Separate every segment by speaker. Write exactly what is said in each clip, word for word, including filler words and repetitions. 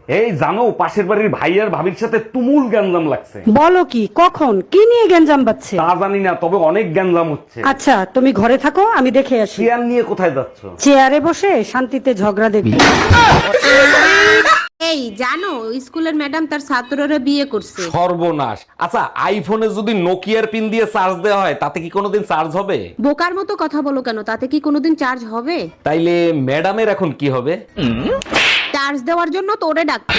Speaker 1: এই জানো, পাশের বাড়ির ভাই আর ভাবির সাথে তুমুল গ্যাঞ্জাম লাগছে।
Speaker 2: বলো কি? কখন? কি নিয়ে গ্যাঞ্জাম বাজছে?
Speaker 1: তা জানি না, তবে অনেক গ্যাঞ্জাম হচ্ছে।
Speaker 2: আচ্ছা, তুমি ঘরে থাকো, আমি দেখে আসি।
Speaker 1: চেয়ার নিয়ে কোথায় যাচ্ছ?
Speaker 2: চেয়ারে বসে শান্তিতে ঝগড়া দেখবি।
Speaker 3: এই জানো, স্কুলের ম্যাডাম তার ছাত্ররা বিয়ে করছে।
Speaker 1: সর্বনাশ। আচ্ছা, আইফোনে যদি নোকিয়ার পিন দিয়ে চার্জ দেওয়া হয় তাতে কি কোনোদিন চার্জ হবে?
Speaker 3: বোকার মতো কথা বলো কেন? তাতে কি কোনোদিন চার্জ হবে?
Speaker 1: তাইলে ম্যাডামের এখন কি হবে?
Speaker 3: চার্জ দেওয়ার জন্য তোরে ডাকছে।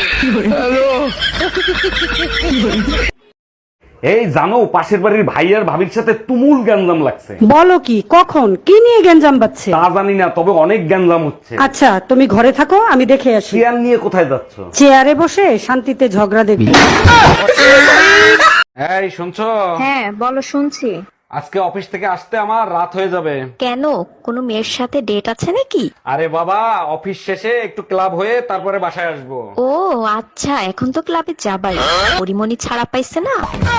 Speaker 1: এই জানো, পাশের বাড়ির ভাই আর ভাবির সাথে তুমুল গ্যাঞ্জাম লাগছে।
Speaker 2: বলো কি? কখন? কি নিয়ে গ্যাঞ্জাম বাজছে?
Speaker 1: তা জানি না, তবে অনেক গ্যাঞ্জাম হচ্ছে।
Speaker 2: আচ্ছা, তুমি ঘরে থাকো, আমি দেখে আসি।
Speaker 1: চেয়ার নিয়ে কোথায় যাচ্ছ?
Speaker 2: চেয়ারে বসে শান্তিতে ঝগড়া দেখবি।
Speaker 1: এই শুনছো?
Speaker 4: হ্যাঁ বলো, শুনছি।
Speaker 1: আজকে অফিস থেকে আসতে আমার রাত হয়ে যাবে।
Speaker 4: কেন? কোনো মেয়ের সাথে ডেট আছে নাকি?
Speaker 1: আরে বাবা, অফিস শেষে একটু ক্লাব হয়ে তারপরে বাসায় আসবো।
Speaker 4: ও আচ্ছা, এখন তো ক্লাবে যাবাই। পরিমণি ছাড়া পাইছে না।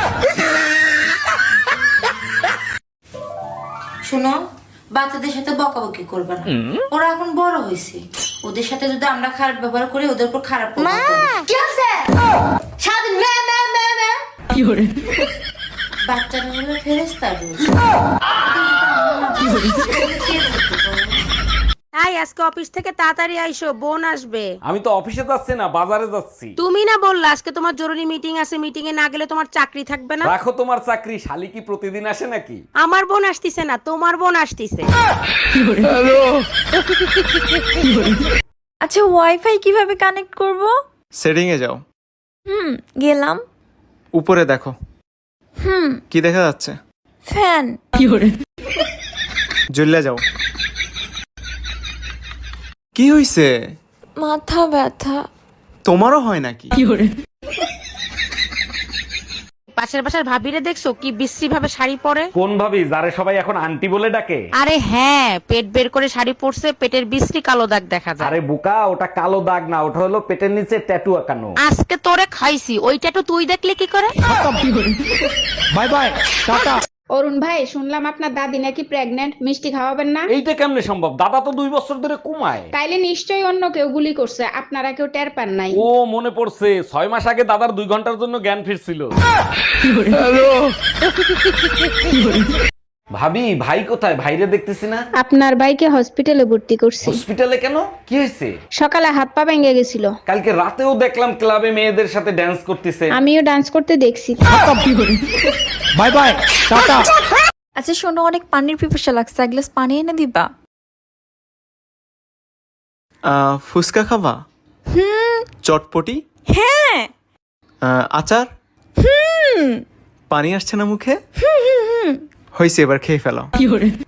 Speaker 5: শোনো, বাচ্চাদের সাথে বকাবকি করবে না, ওরা এখন বড় হয়েছে। ওদের সাথে যদি আমরা খারাপ ব্যবহার করি, ওদের উপর খারাপ প্রভাব পড়বে। কি হচ্ছে? সারাদিন ম্যা ম্যা ম্যা ম্যা। বাচ্চারা হলো ফেরেশতা রূপ।
Speaker 3: তাই আজকে অফিস থেকে তাড়াতাড়ি আইসো, বোন আসবে।
Speaker 1: আমি তো অফিসে যাচ্ছি না, বাজারে যাচ্ছি।
Speaker 3: তুমি না বললা আজকে তোমার জরুরি মিটিং আছে, মিটিং এ না গেলে তোমার চাকরি থাকবে না?
Speaker 1: রাখো তোমার চাকরি, শালি কি প্রতিদিন আসে নাকি?
Speaker 3: আমার বোন আসতিছে না, তোমার বোন আসতিছে।
Speaker 6: আচ্ছা, ওয়াইফাই কিভাবে কানেক্ট করব?
Speaker 7: সেটিং এ যাও।
Speaker 6: হুম, গেলাম।
Speaker 7: উপরে দেখো।
Speaker 6: হুম,
Speaker 7: কি দেখা যাচ্ছে?
Speaker 6: ফ্যান।
Speaker 7: জ্বলে যাও। কি হইছে?
Speaker 6: মাথা ব্যথা।
Speaker 7: তোমারও হয় নাকি?
Speaker 3: পাশের বাসার ভাবিরে দেখছো কি বিশ্রী ভাবে শাড়ি পরে?
Speaker 1: কোন ভাবি, যারে সবাই এখন আন্টি বলে ডাকে?
Speaker 3: আরে হ্যাঁ, পেট বের করে শাড়ি পরছে, পেটের বিশ্রী কালো দাগ দেখা যায়।
Speaker 1: আরে বোকা, ওটা কালো দাগ না, ওটা হলো পেটের নিচে ট্যাটু আঁকানো।
Speaker 3: আজকে তোরে খাইছি, ওইটা তো তুই দেখলে কি করে?
Speaker 1: By bye, tata.
Speaker 8: অরুণ ভাই, শুনলাম আপনার দাদি নাকি প্রেগন্যান্ট, মিষ্টি খাওয়াবেন না?
Speaker 1: এইটা কেমনে সম্ভব? দাদা তো দুই বছর ধরে কমায়।
Speaker 8: তাইলে নিশ্চয়ই অন্য কেউ গুলি করছে, আপনারা কেউ টের পান নাই।
Speaker 1: ও মনে পড়ছে, ছয় মাস আগে দাদার দুই ঘন্টার জন্য জ্ঞান ফিরছিল। ভাবি, ভাই কোথায়? ভাইরে দেখতেছি না।
Speaker 8: আপনার ভাইকে হসপিটালে ভর্তি করছি।
Speaker 1: হসপিটালে কেন? কি হয়েছে?
Speaker 8: সকালে হাত পা ভেঙে গেছিল।
Speaker 1: কালকে রাতেও দেখলাম ক্লাবে মেয়েদের সাথে ড্যান্স করতেছে।
Speaker 8: আমিও ডান্স করতে দেখছি।
Speaker 1: বাই বাই, টাটা।
Speaker 6: আচ্ছা শোনো, অনেক পানির পিপাসা লাগছে, এক গ্লাস পানি এনে দিবা?
Speaker 7: আহ, ফুচকা খাবা?
Speaker 6: হুম।
Speaker 7: চটপটি?
Speaker 6: হ্যাঁ।
Speaker 7: আহ, আচার?
Speaker 6: হুম।
Speaker 7: পানি আসছে না মুখে? হয়েছে, এবার খেয়ে ফেলো।